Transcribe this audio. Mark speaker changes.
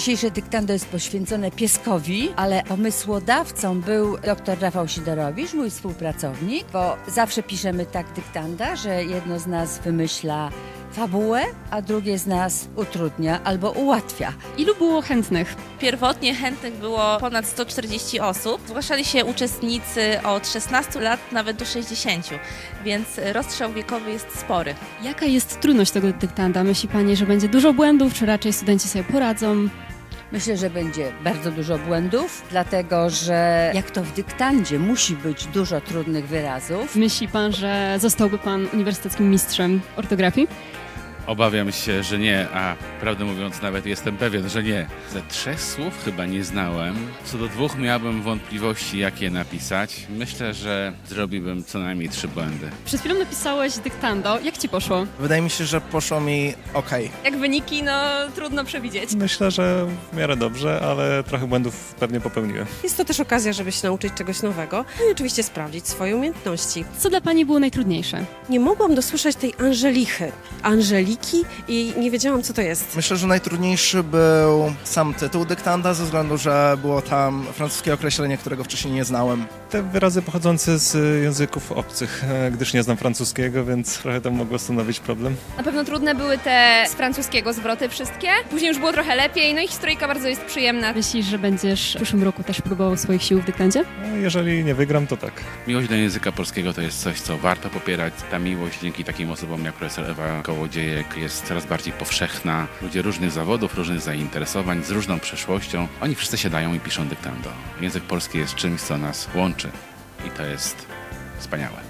Speaker 1: Dzisiejsze dyktando jest poświęcone pieskowi, ale pomysłodawcą był dr Rafał Sidorowicz, mój współpracownik, bo zawsze piszemy tak dyktanda, że jedno z nas wymyśla fabułę, a drugie z nas utrudnia albo ułatwia.
Speaker 2: Ilu było chętnych?
Speaker 3: Pierwotnie chętnych było ponad 140 osób. Zgłaszali się uczestnicy od 16 lat nawet do 60, więc rozstrzał wiekowy jest spory.
Speaker 2: Jaka jest trudność tego dyktanda? Myśli Pani, że będzie dużo błędów, czy raczej studenci sobie poradzą?
Speaker 1: Myślę, że będzie bardzo dużo błędów, dlatego że jak to w dyktandzie musi być dużo trudnych wyrazów.
Speaker 2: Myśli Pan, że zostałby Pan uniwersyteckim mistrzem ortografii?
Speaker 4: Obawiam się, że nie, a prawdę mówiąc nawet jestem pewien, że nie. Ze 3 słów chyba nie znałem. Co do 2 miałbym wątpliwości, jak je napisać. Myślę, że zrobiłbym co najmniej 3 błędy.
Speaker 2: Przed chwilą napisałeś dyktando. Jak Ci poszło?
Speaker 5: Wydaje mi się, że poszło mi okej.
Speaker 2: Jak wyniki, trudno przewidzieć.
Speaker 6: Myślę, że w miarę dobrze, ale trochę błędów pewnie popełniłem.
Speaker 7: Jest to też okazja, żeby się nauczyć czegoś nowego i oczywiście sprawdzić swoje umiejętności.
Speaker 2: Co dla Pani było najtrudniejsze?
Speaker 7: Nie mogłam dosłyszeć tej Angeliki i nie wiedziałam, co to jest.
Speaker 5: Myślę, że najtrudniejszy był sam tytuł dyktanda, ze względu, że było tam francuskie określenie, którego wcześniej nie znałem.
Speaker 6: Te wyrazy pochodzące z języków obcych, gdyż nie znam francuskiego, więc trochę to mogło stanowić problem.
Speaker 8: Na pewno trudne były te z francuskiego zwroty wszystkie. Później już było trochę lepiej, no i historyjka bardzo jest przyjemna.
Speaker 2: Myślisz, że będziesz w przyszłym roku też próbował swoich sił w dyktandzie?
Speaker 6: No, jeżeli nie wygram, to tak.
Speaker 4: Miłość do języka polskiego to jest coś, co warto popierać. Ta miłość dzięki takim osobom jak profesor Ewa Kołodziejek jest coraz bardziej powszechna. Ludzie różnych zawodów, różnych zainteresowań, z różną przeszłością. Oni wszyscy siadają i piszą dyktando. Język polski jest czymś, co nas łączy i to jest wspaniałe.